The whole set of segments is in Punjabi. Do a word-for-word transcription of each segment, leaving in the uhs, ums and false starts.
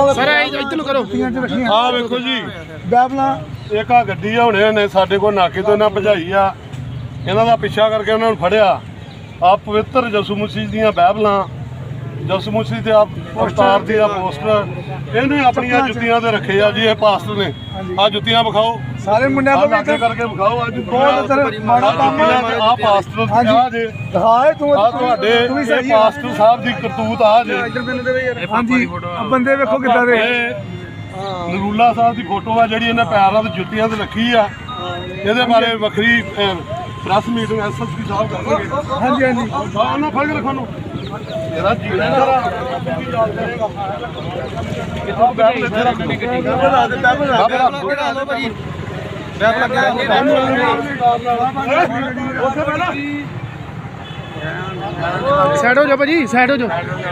ਸਰ ਇੱਧਰ ਨੂੰ ਕਰੋ ਆਹ ਵੇਖੋ ਜੀ ਬਾਈਬਲਾਂ ਇੱਕ ਆ ਗੱਡੀ ਆ ਹੁਣੇ ਨੇ ਸਾਡੇ ਕੋਲ ਨਾਕੇ ਤੋਂ ਇਹਨਾਂ ਭਜਾਈ ਆ ਇਹਨਾਂ ਦਾ ਪਿੱਛਾ ਕਰਕੇ ਉਹਨਾਂ ਨੂੰ ਫੜਿਆ ਆ ਪਵਿੱਤਰ ਯਿਸੂ ਮਸੀਹ ਦੀਆਂ ਬਾਈਬਲਾਂ ਯਿਸੂ ਮਸੀਹ ਤੇ ਆ ਅਵਤਾਰ ਦੀ ਆ ਪੋਸਟਰ ਇਹਨੇ ਆਪਣੀਆਂ ਜੁੱਤੀਆਂ ਤੇ ਰੱਖੇ ਆ ਜੀ ਇਹ ਪਾਸਟਰ ਨੇ ਆ ਜੁੱਤੀਆਂ ਵਿਖਾਓ ਸਾਰੇ ਮੁੰਡਿਆਂ ਆਹ ਤੋਂ ਲਾਗੇ ਕਰਕੇ ਵਿਖਾਓ ਅੱਜ ਬਹੁਤ ਇੱਧਰ ਮਾੜਾ ਕੰਮ ਆ ਪਾਸਟਰ ਆ ਜੇ ਦਿਖਾਏ ਤੂੰ ਆ ਤੁਹਾਡੇ ਇਹ ਪਾਸਟਰ ਸਾਹਿਬ ਦੀ ਕਰਤੂਤ ਆ ਜੇ ਹਾਂਜੀ ਬੰਦੇ ਵੇਖੋ ਕਿੱਦਾਂ ਦੇ ਨਰੂਲਾ ਸਾਹਿਬ ਦੀ ਫੋਟੋ ਆ ਜਿਹੜੀ ਇਹਨੇ ਪੈਰਾਂ ਤੇ ਜੁੱਤੀਆਂ ਤੇ ਰੱਖੀ ਆ ਇਹਦੇ ਬਾਰੇ ਵੱਖਰੀ ਪ੍ਰੈਸ ਮੀਟਿੰਗ ਐਸਐਸਪੀ ਸਾਹਿਬ ਕਰਨਗੇ। ਹਾਂਜੀ ਹਾਂਜੀ ਹਾਂ ਉਹਨਾਂ ਫੜ ਕੇ ਰੱਖੋ ਨੂੰ ਇਹਦਾ ਜੀਣਾ ਜਰਾ ਕਿੱਥੋਂ ਬੈਠ ਇੱਥੇ ਰੱਖ ਬਣਾ ਦੇ ਬਣਾ ਦੇ ਬਣਾ ਦੋ ਭਾਜੀ ਬੈਠ ਲੱਗਿਆ ਸਾਈਡ ਹੋ ਜਾ ਭਾਜੀ ਸਾਈਡ ਹੋ ਜਾ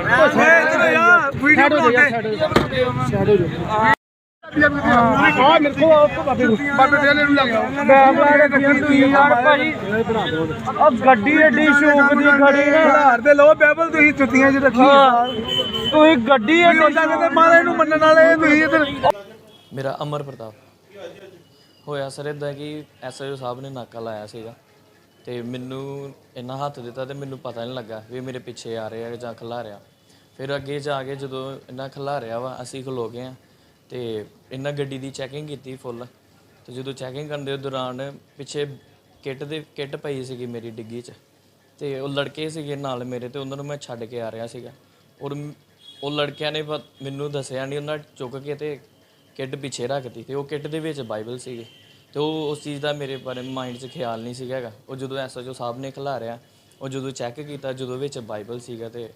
ਸਾਈਡ ਹੋ ਜਾ ਸਾਈਡ ਹੋ ਜਾ ਆ ਮੇਰੇ ਕੋਲ ਆਪ ਬਾਬੇ ਬਾਬੇ ਦੇ ਨੂੰ ਲੱਗ ਗਿਆ ਬਾਬਾ ਦੇ ਗੱਡੀ ਤੁਸੀਂ ਯਾਰ ਭਾਜੀ ਆ ਗੱਡੀ ਏਡੀ ਸ਼ੌਕ ਦੀ ਖੜੀ ਹੈ ਹਾਰ ਦੇ ਲੋ ਬਾਈਬਲ ਤੁਸੀਂ ਜੁੱਤੀਆਂ 'ਚ ਰੱਖੀ ਤੁਸੀਂ ਗੱਡੀ ਏਡੀ ਉਹਨਾਂ ਕਹਿੰਦੇ ਮਹਾਰਾਜ ਨੂੰ ਮੰਨਣ ਵਾਲੇ ਤੁਸੀਂ ਇੱਧਰ ਮੇਰਾ ਅਮਰ ਪ੍ਰਤਾਪ ਹੋਇਆ ਸਰ ਇਦਾਂ ਕਿ ਐਸਆਈਓ ਸਾਹਿਬ ਨੇ ਨਾਕਾ ਲਾਇਆ ਸੀਗਾ ਤੇ ਮੈਨੂੰ ਇੰਨਾ ਹੱਥ ਦਿੱਤਾ ਤੇ ਮੈਨੂੰ ਪਤਾ ਨਹੀਂ ਲੱਗਾ ਵੀ ਮੇਰੇ ਪਿੱਛੇ ਆ ਰਹੇ ਆ ਜਾਂ ਖਿਲਾ ਰਿਹਾ ਫਿਰ ਅੱਗੇ ਜਾ ਕੇ ਜਦੋਂ ਇੰਨਾ ਖਿਲਾ ਰਿਹਾ ਵਾ ਅਸੀਂ ਖਲੋ ਗਏ ਆ ਤੇ ਇਹਨਾਂ ਗੱਡੀ ਦੀ ਚੈਕਿੰਗ ਕੀਤੀ ਫੁੱਲ ਤੇ ਜਦੋਂ ਚੈਕਿੰਗ ਕਰਨ ਦੇ ਦੌਰਾਨ ਪਿੱਛੇ ਕਿੱਟ ਦੇ ਕਿੱਟ ਪਈ ਸੀਗੀ ਮੇਰੀ ਡਿੱਗੀ 'ਚ ਤੇ ਉਹ ਲੜਕੇ ਸੀਗੇ ਨਾਲ ਮੇਰੇ ਤੇ ਉਹਨਾਂ ਨੂੰ ਮੈਂ ਛੱਡ ਕੇ ਆ ਰਿਹਾ ਸੀਗਾ ਔਰ ਉਹ ਲੜਕਿਆਂ ਨੇ ਮੈਨੂੰ ਦੱਸਿਆ ਨਹੀਂ ਉਹਨਾਂ ਚੁੱਕ ਕੇ ਤੇ ਕਿੱਟ ਪਿੱਛੇ ਰੱਖਤੀ ਤੇ ਉਹ ਕਿੱਟ ਦੇ ਵਿੱਚ ਬਾਈਬਲ ਸੀਗੇ ਤੇ ਉਹ ਉਸ ਚੀਜ਼ ਦਾ ਮੇਰੇ ਬਾਰੇ ਮਾਈਂਡ 'ਚ ਖਿਆਲ ਨਹੀਂ ਸੀਗਾ ਹੈਗਾ ਉਹ ਜਦੋਂ ਐਸਐਚਓ ਸਾਹਿਬ ਨੇ ਖਿਲਾਰਿਆ ਉਹ ਜਦੋਂ ਚੈੱਕ ਕੀਤਾ ਜਦੋਂ ਵਿੱਚ ਬਾਈਬਲ ਸੀਗਾ ਤੇ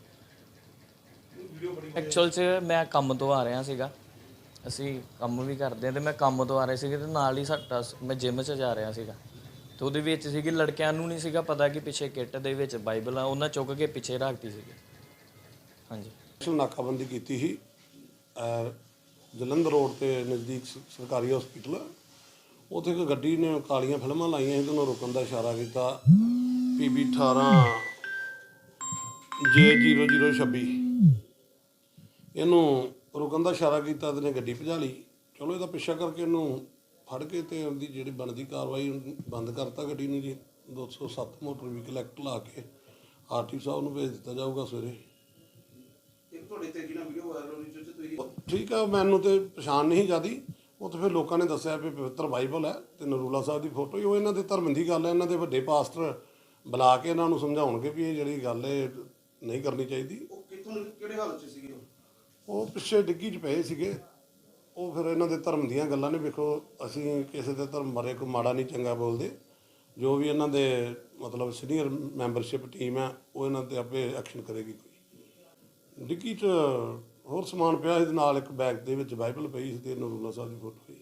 ਐਕਚੁਅਲ 'ਚ ਮੈਂ ਕੰਮ ਤੋਂ ਆ ਰਿਹਾ ਸੀਗਾ ਅਸੀਂ ਕੰਮ ਵੀ ਕਰਦੇ ਹਾਂ ਤੇ ਮੈਂ ਕੰਮ ਤੋਂ ਆ ਰਿਹਾ ਸੀਗਾ ਤੇ ਨਾਲ ਹੀ ਸਾਡਾ ਮੈਂ ਜਿਮ 'ਚ ਜਾ ਰਿਹਾ ਸੀਗਾ ਤੇ ਉਹਦੇ ਵਿੱਚ ਸੀਗੀ ਲੜਕਿਆਂ ਨੂੰ ਨਹੀਂ ਸੀਗਾ ਪਤਾ ਕਿ ਪਿੱਛੇ ਕਿੱਟ ਦੇ ਵਿੱਚ ਬਾਈਬਲ ਆ ਉਹਨਾਂ ਚੁੱਕ ਕੇ ਪਿੱਛੇ ਰੱਖਤੀ ਸੀਗੀ ਹਾਂਜੀ ਨਾਕਾਬੰਦੀ ਕੀਤੀ ਸੀ ਜਲੰਧਰ ਰੋਡ ਤੇ ਨਜ਼ਦੀਕ ਸਰਕਾਰੀ ਹਸਪੀਟਲ ਉੱਥੇ ਇੱਕ ਗੱਡੀ ਨੇ ਕਾਲੀਆਂ ਫਿਲਮਾਂ ਲਾਈਆਂ ਸੀ ਤੇ ਉਹਨੂੰ ਰੁਕਣ ਦਾ ਇਸ਼ਾਰਾ ਕੀਤਾ ਪੀ ਬੀ ਅਠਾਰਾਂ ਜੇ ਜ਼ੀਰੋ ਜ਼ੀਰੋ ਛੱਬੀ ਇਹਨੂੰ ਰੁਕਣ ਦਾ ਇਸ਼ਾਰਾ ਕੀਤਾ ਤੇ ਨੇ ਗੱਡੀ ਭਜਾ ਲਈ ਚਲੋ ਇਹਦਾ ਪਿੱਛਾ ਕਰਕੇ ਇਹਨੂੰ ਫੜ ਕੇ ਤੇ ਉਹਦੀ ਜਿਹੜੀ ਬਣਦੀ ਕਾਰਵਾਈ ਬੰਦ ਕਰਤਾ ਗੱਡੀ ਨੂੰ ਜੀ ਦੋ ਸੌ ਸੱਤ ਮੋਟਰ ਵਹੀਕਲ ਐਕਟ ਲਾ ਕੇ ਆਰ ਟੀ ਸਾਹਿਬ ਨੂੰ ਭੇਜ ਦਿੱਤਾ ਜਾਊਗਾ ਸਵੇਰੇ ਠੀਕ ਆ ਮੈਨੂੰ ਤੇ ਪਛਾਣ ਨਹੀਂ ਜਿਆਦੀ ਉਹ ਤਾਂ ਫਿਰ ਲੋਕਾਂ ਨੇ ਦੱਸਿਆ ਵੀ ਪਵਿੱਤਰ ਬਾਈਬਲ ਹੈ ਤੇ ਨਰੂਲਾ ਸਾਹਿਬ ਦੀ ਫੋਟੋ ਹੀ ਉਹ ਇਹਨਾਂ ਦੇ ਧਰਮ ਦੀ ਗੱਲ ਹੈ ਇਹਨਾਂ ਦੇ ਵੱਡੇ ਪਾਸਟਰ ਬੁਲਾ ਕੇ ਇਹਨਾਂ ਨੂੰ ਸਮਝਾਉਣਗੇ ਵੀ ਇਹ ਜਿਹੜੀ ਗੱਲ ਹੈ ਨਹੀਂ ਕਰਨੀ ਚਾਹੀਦੀ ਉਹ ਕਿੱਥੋਂ ਕਿਹੜੇ ਹਾਲਤ 'ਚ ਸੀਗੇ ਉਹ ਪਿੱਛੇ ਡਿੱਗੀ 'ਚ ਪਏ ਸੀਗੇ ਉਹ ਫਿਰ ਇਹਨਾਂ ਦੇ ਧਰਮ ਦੀਆਂ ਗੱਲਾਂ ਨੇ ਵੇਖੋ ਅਸੀਂ ਕਿਸੇ ਦੇ ਧਰਮ ਬਾਰੇ ਕੋਈ ਮਾੜਾ ਨਹੀਂ ਚੰਗਾ ਬੋਲਦੇ ਜੋ ਵੀ ਇਹਨਾਂ ਦੇ ਮਤਲਬ ਸੀਨੀਅਰ ਮੈਂਬਰਸ਼ਿਪ ਟੀਮ ਹੈ ਉਹ ਇਹਨਾਂ 'ਤੇ ਆਪੇ ਐਕਸ਼ਨ ਕਰੇਗੀ ਕੋਈ ਡਿੱਗੀ 'ਚ ਹੋਰ ਸਮਾਨ ਪਿਆ ਇਹਦੇ ਨਾਲ ਇੱਕ ਬੈਗ ਦੇ ਵਿੱਚ ਬਾਈਬਲ ਪਈ ਸੀ ਤੇ ਨਰੂਲਾ ਸਾਹਿਬ ਦੀ ਫੋਟੋ ਸੀ